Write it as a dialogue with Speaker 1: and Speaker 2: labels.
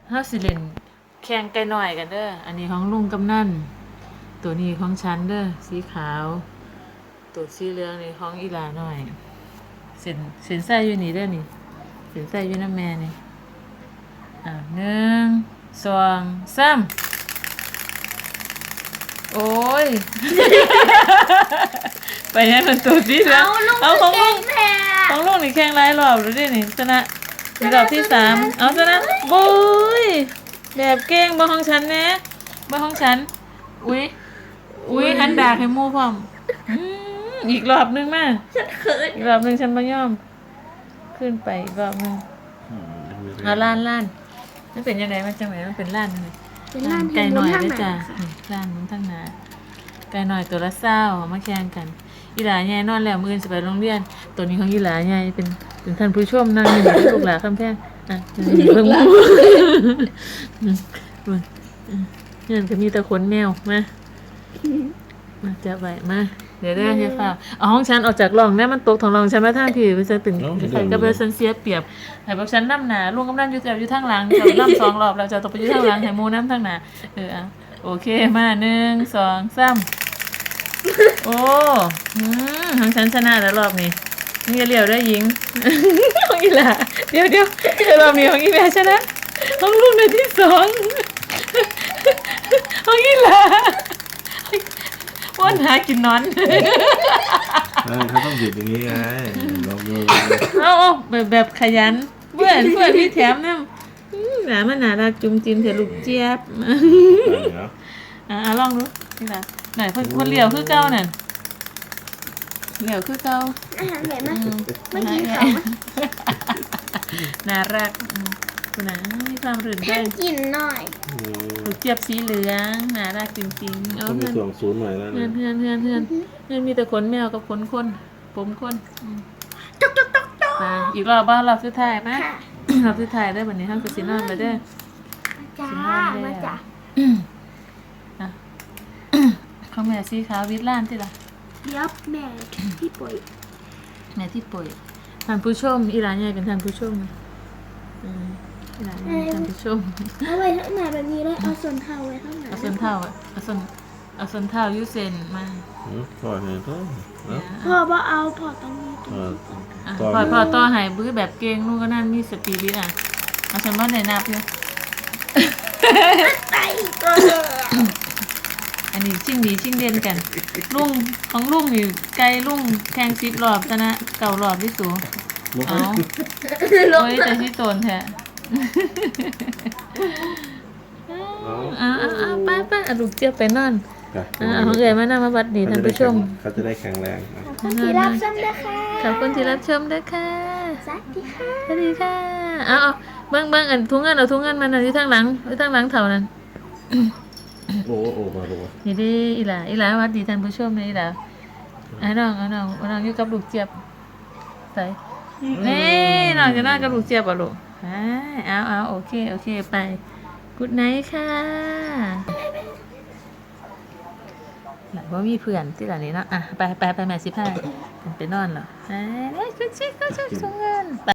Speaker 1: เฮาสิเล่นแข่งไก่น้อยกันเด้ออันนี้ของลุงกำนันตัวนี้ของฉันเด้อสีขาวตัวสีเหลืองนี่ของอีหลาน้อยเส้นใส่อยู่นี่เด้อนี่เส้นใส่อยู่นำแม่นี่1 2 3โอ้ย ไปยังมันตัวสีเหลืองเอาของลุงของลุงนี่แข่งหลายรอบแล้วเด้นี่ชนะในรอบที่3เอาชนะบุ้ยแบบเก่งบ่ของฉันแน่บ่ของฉันอุ้ยหันดากให้หมู่พร้อมอีกรอบนึงมา
Speaker 2: ฉันเขิน
Speaker 1: อีกรอบนึงฉันบ่ยอมขึ้นไปอีกรอบนึงเอาล้านมันเป็นยังไงมันจังไหนมันเป็นล้านเลย
Speaker 2: เป็นร้าน
Speaker 1: ไก่หน่อยเด้อ
Speaker 2: จ้ะ
Speaker 1: จ้ะล้านมันทั้งหนาไก่หน่อยตัวละ20มาแข่งกันอีหลาใหญ่นอนแล้วมื้ออื่นสิไปโรงเรียนตัวนี้ของอีหลาใหญ่เป็นท่านผู้ชมนั่งอยู่ลูกหลานคำแพงนี่เพิ่งนี่ก็มีแต่ขนแมวมาจับไว้มาเดี๋ยวได้ให้ฟ้าเอาห้องฉันออกจากร่องมันตกของร่องฉันมาทางพี่ไปจะเป็นใครก็เป็นซันเสียเปรียบให้พวกฉันนำหน้าลุงกำนันอยู่ทางหลังเจ้านำ2รอบแล้วเจ้าต้องไปอยู่ทางหลังให้หมู่นำทางหน้าโอเคมา1 2 3โอ้ของฉันชนะแล้วรอบนี้มึงอย่าเลี้ยวได้หญิงของอีหล่าเดี๋ยวรอบนี้ของอีแม่ชนะของลุงในที่2ของอีหล่าว่นหากินนอน
Speaker 3: เขาต้องหยุดอย่างนี้ไงลองดู
Speaker 1: เอาแบบขยันเพื่อนพี่แถมน้ำหนามันหนารักจุ่มจิ้มเถอะลูกเจี๊ยบลองดูนี่ล่ะไหนคนเหลียวคือเก่านั่นเหลียวคือเก่า
Speaker 2: อาหารใหญ่มากไม่กินเขา
Speaker 1: น่ารักคุณนะมีความรื่นเริง
Speaker 2: กินหน่อย
Speaker 1: ลูกเจี๊ยบสีเหลืองน่ารักจริงๆ
Speaker 3: ต้องมีส่วนศูนย์หน่อยแล้ว
Speaker 1: เพื่อนมีแต่ขนแมวกับขนคนผมคน
Speaker 2: จ๊ก
Speaker 1: มาอีกรอบบ้านรอบสุดท้ายไหมรอบสุดท้ายได้แบบนี้ห้ามกระสินนอนไปได้
Speaker 2: จ้ามาจ้า
Speaker 1: เขาแม่สีขาววิทล้านที่ละ
Speaker 2: ยับแม่ที่ป่วย
Speaker 1: ท่านผู้ชมอีหลานใหญ่เป็นท่านผู้ชมอีหลานใหญ่ท่านผู้ชม
Speaker 2: เอาไว้ข้างหน้าแบบนี้เลยเอาส่วนเท้าไว้ข้างหน้า
Speaker 1: เอาส่วนเท้ายูเซนมา
Speaker 3: พอเห็นก็
Speaker 2: พ่อว่าเอาพอตรงนี้
Speaker 1: พอต่อหายบื้อแบบเก่งนู่นก็นั่นมีสปีริตเอาฉันว่าไหนนับเนี่ยอันนี้ชิ่งดีชิ่งเด่นกันลุงของลุงนี่ไกลลุงแข่ง10 รอบชนะ9 รอบที่สูงเอาโอ้ยแต่ที่โตนแท้ไปลูกเจี๊ยบไปนอนของเอ๋ยมานั่งมาบัดดีท่านผู้ชม
Speaker 3: เขาจะได้แข็งแรง
Speaker 2: ขอบคุณที่รับชมด้วยค่ะ
Speaker 1: ขอบคุณที่รับชมด้วยค่ะ
Speaker 2: สวัสดีค่ะ
Speaker 1: สวัสดีค่ะเอาเบิ้งอันทุ่งเงินเอาทุ่งเงินมันอยู่ทางหลังเท่านั้น
Speaker 3: โอ้มาดู
Speaker 1: นี่ดิอีหล่าวัดดีท่านผู้ชมเลยอีหล่าน้องอยู่กับลูกเจี๊ยบใส่นี่น้องจะนั่งกับลูกเจี๊ยบอ่ะลูกเอาโอเคไปกุดไนท์ค่ะหลังว่ามีเพื่อนที่หลังนี้เนาะไปแม่15ไปนอนเหรอก็ชิส่งเงิน